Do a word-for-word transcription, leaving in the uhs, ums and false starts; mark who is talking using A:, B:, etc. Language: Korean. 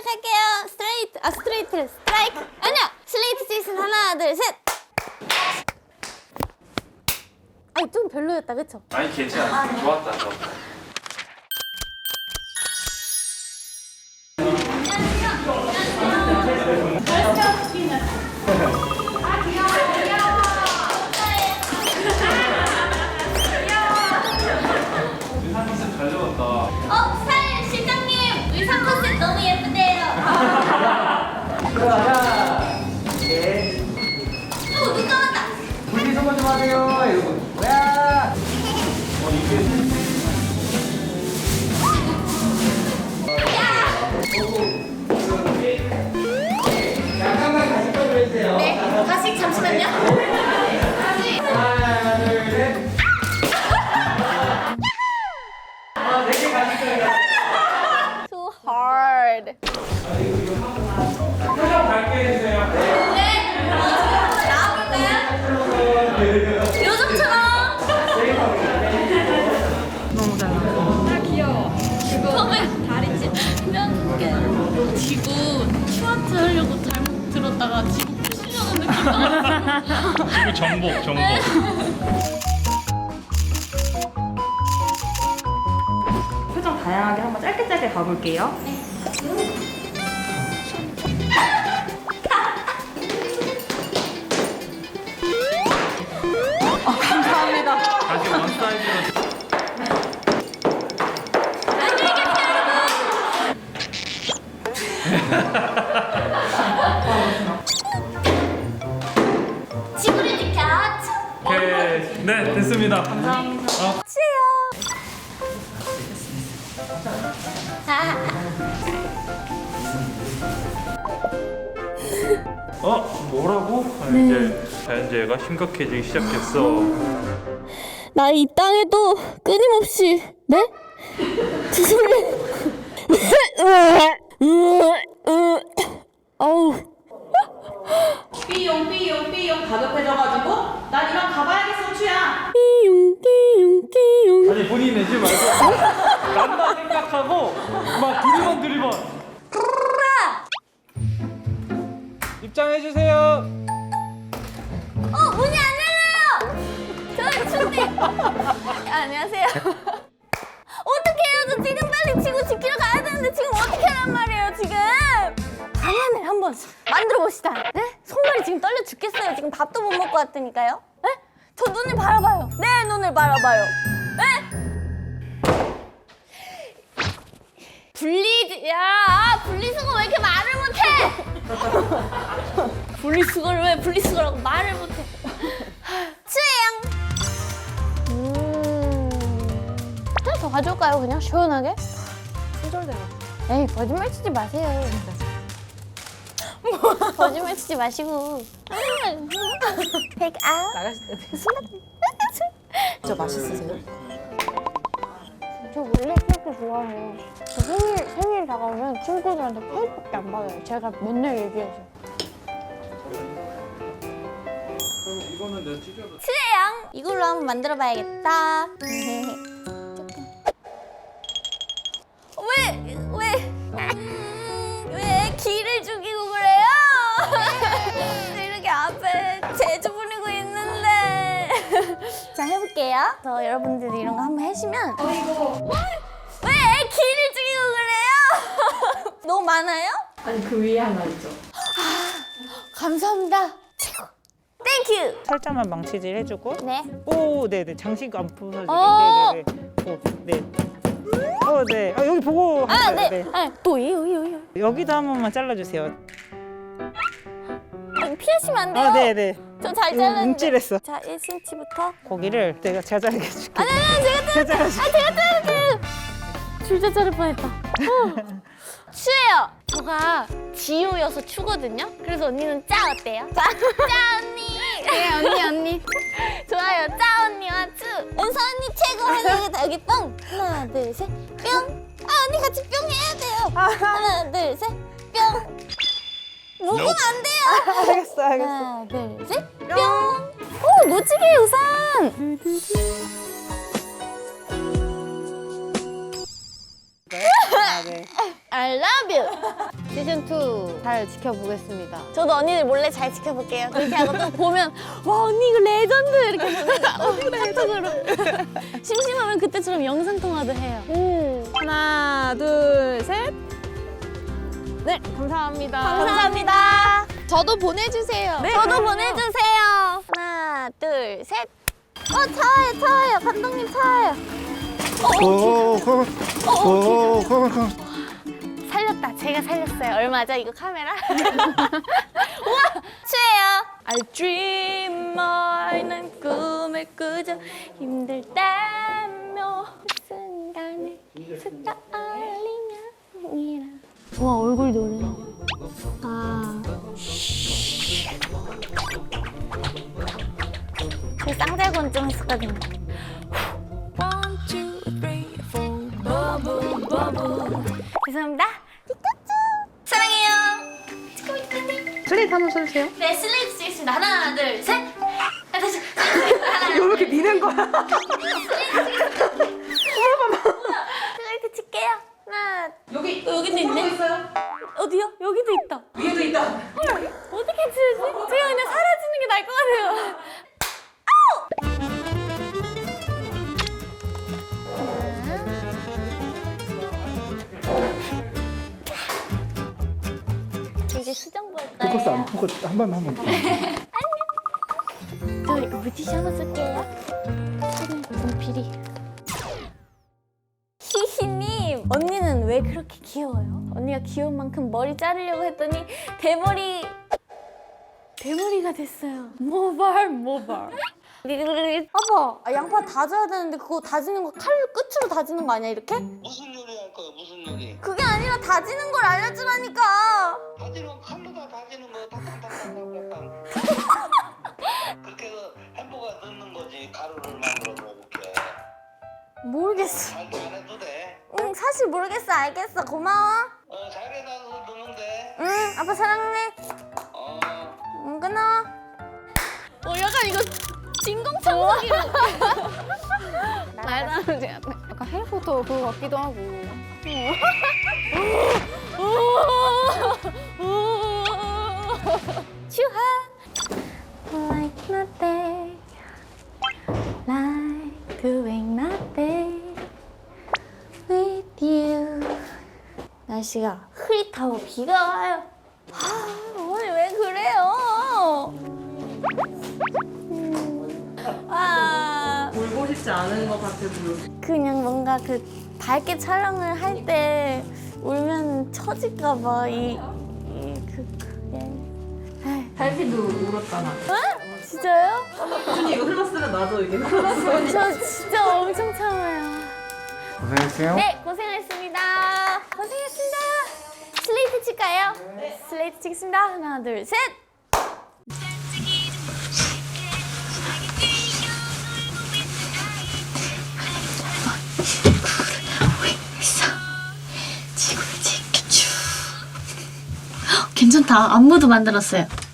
A: 시작할게요. 스트레이트, 아 스트레이트, 스트라이크. 아니야, 슬레이트 제이슨 하나, 둘, 셋. 아니 좀 별로였다, 그쵸?
B: 아니 괜찮아. 좋았다. 좋았다. 의사 컨셉 잘 잡았다.
A: 어, 살 실장님 의상 컨셉 너무 예쁜데요.
C: 들어가자. 네.
A: 오, 눈 감았다.
C: 분리 선거 좀 하세요, 여러분. 뭐야?
B: 어 이게
C: 잠깐만 다시 꺼주세요.
A: 네, 다시 잠시만요.
C: 하나, 둘, 셋. 아, 네개 가실 거예요.
A: Too hard.
B: 표정 밝게 해주세요.
A: 네, 어, 나와볼까요? 요즘처럼.
D: 너무 잘 나와. 아 귀여워.
A: 처음에 다리 찢으면 이렇게 지구 슈아트 하려고 잘못 들었다가 지구 부시려는 느낌 나왔어.
B: 지구 정복 정복.
D: 표정 다양하게 한번 짧게 짧게 가볼게요. 어, 감사합니다.
B: 다시 원 사이즈로.
A: 지구를 지켜.
B: 오케이. 네 됐습니다.
D: 감사합니다.
A: 치요.
B: 어 뭐라고? 아, 이제 자연재해가 심각해지기 시작했어.
A: 나 이 땅에도 끊임없이 네? 죄송해요. 어우.
D: 삐용 삐용 삐용 가급해져가지고 난 이만 가봐야겠어 추야.
A: 띠용 띠용 띠용.
B: 아니 본인 내지 말고 난다 생각하고 막 두리번 두리번. 입장해주세요.
A: 어, 문이 안 열려요. 저희 춘디. 안녕하세요. 어떡해요? 저 지금 빨리 지구 지키러 가야 되는데 지금 어떻게 하란 말이에요, 지금? 방안을 한번 만들어 봅시다. 네? 손발이 지금 떨려 죽겠어요. 지금 밥도 못 먹고 왔다니까요. 네? 저 눈을 바라봐요. 내 눈을 바라봐요. 네? 분리, 야, 분리수거 왜 이렇게 말을 못해? 분리수거를 왜 분리수거라고 말을 못해? 쯔양. 음. 하나 더 가져올까요? 그냥 시원하게?
D: 손절대로.
A: 에이, 거짓말 치지 마세요. 거짓말 치지 마시고. Take out.
D: 나가실 때. 저 맛있으세요?
A: 저 원래 케이크 좋아해요. 저 생일, 생일 다가오면 친구들한테 케이크밖에 안 받아요. 제가 맨날 얘기해서.
B: 그럼 이거는 내가 찢어도.
A: 츠양! 이걸로 한번 만들어봐야겠다. 왜, 왜, 음, 왜 기를 죽이고 그래요? 이렇게 앞에 재주 부리고 있는데. 자, 해볼게요. 저 여러분들이 이런 거 한번 해주면. 어이구. 왜 기를 죽이고 그래요? 너무 많아요?
D: 아니 그 위에 하나 있죠.
A: 감사합니다. 최고. 땡큐.
E: 살짝만 망치질 해주고
A: 네.
E: 오 네네 장식 안 부서지게
A: 어.
E: 네네네 오, 네. 어, 네. 아, 여기 보고
A: 아,
E: 하세요.
A: 네. 아, 또 이요, 이요, 이요.
E: 여기도 한 번만 잘라주세요.
A: 아, 피하시면 안 돼요.
E: 아, 네네.
A: 저 잘
E: 이거
A: 잘랐는데.
E: 움찔했어.
A: 자, 일 센티미터부터.
E: 고기를 내가 잘 자르게 해줄게.
A: 아니, 아니, 제가
E: 잘
A: 자를게요.
E: 잘라줄게.
A: 아, 제가 자를게요. 줄자 자를 뻔했다. 어. 추예요. 저가 지효여서 추거든요. 그래서 언니는 짜 어때요? 짜, 짜 언니. 네, 언니, 언니. 좋아요. 짜 언니와 추. 은서 언니 최고. 하나, 여기 뿅. 하나, 둘, 셋. 뿅. 아, 언니 같이 뿅 해야 돼요. 하나, 둘, 셋. 뿅. 묶으면 안 돼요.
E: 알겠어, 알겠어.
A: 하나, 둘, 셋. 뿅. 오, 멋지게 우산.
E: 아, 네.
A: I love you.
F: 시즌 투 잘 지켜보겠습니다.
A: 저도 언니들 몰래 잘 지켜볼게요. 그렇게 하고 또 보면 와 언니 이거 레전드 이렇게 보내자. 어, 카톡으로. 심심하면 그때처럼 영상 통화도 해요. 음.
F: 하나, 둘, 셋. 네, 감사합니다.
A: 감사합니다.
F: 저도 보내주세요.
A: 네, 저도 보내주세요. 하나, 둘, 셋. 어, 차와요, 차와요. 감독님 차와요.
E: 오, 컴, 오, 컴, 컴.
A: 살렸다. 제가 살렸어요. 얼마죠, 이거 카메라? 우와, 추해요. I dream more. 난 꿈을 꾸죠. 힘들 때며 순간을 스타일링이라. 와, 얼굴 노래. 아. 그 쌍절곤증 했었거든요. One, two, three, four, bubble, bubble. 죄송합니다. 피카츄. 사랑해요.
F: 슬레이트 한번 써주세요.
A: 네, 슬레이트 찍겠습니다. 하나, 둘, 셋. 아, 다시. 하나,
F: 왜 이렇게 미는 거야?
A: 슬레이트 칠게요. 하나.
D: 여기
A: 여기도 있네.
D: 공부도 있어요?
A: 어디요? 여기도 있다.
D: 위에도 있다.
A: 헐, 어떻게 치우지? 제가 그냥 사라지는 게 나을 것 같아요. 아우! 이제 수정 볼까요?
E: 포커스 안 포커스 한 번만 하면 돼.
A: 저 이거 물티슈 하나 쓸게요. 사진 분필이. 히히님, 언니는 왜 그렇게 귀여워요? 언니가 귀여운 만큼 머리 자르려고 했더니 대머리 대머리가 됐어요. 모발 모발. 아빠, 아, 양파 다져야 되는데 그거 다지는 거 칼 끝으로 다지는 거 아니야 이렇게?
G: 무슨 요리 할 거야? 무슨 요리?
A: 그게 아니라 다지는 걸 알려주라니까.
G: 다지는 칼로 다 다지는 거 탕탕탕탕탕탕. 그렇게 해서 햄버거 넣는 거지. 가루를 만들어 먹을게.
A: 모르겠어.
G: 잘 잘해도 돼.
A: 응, 사실 모르겠어. 알겠어. 고마워.
G: 어 잘해놔서 넣으면 돼.
A: 응, 아빠 사랑해.
G: 어.
A: 응, 끊어. 어, 약간 이거 진공청소기로.
F: 말도 안 되지. 약간 해리포터 그거 같기도 하고.
A: 추하. Like nothing, like doing nothing with you. 날씨가 흐릿하고 비가 와요. 아, 오늘 왜 그래요? 음, 아,
D: 울고 싶지 않은 것 같아서.
A: 그냥 뭔가 그 밝게 촬영을 할 때 울면 처질까봐 이, 이 그, 그게. 에이.
D: 달피도 울었잖아.
A: 어? 진짜요?
D: 준이 이거 흘렀으면 나도 이게 흘렀어.
A: 저 진짜 엄청 참아요.
E: 고생했어요.
A: 네, 고생하셨습니다. 고생했습니다. 슬레이트 칠까요? 네. 슬레이트 치겠습니다. 하나, 둘, 셋.
H: 괜찮다. 안무도 만들었어요.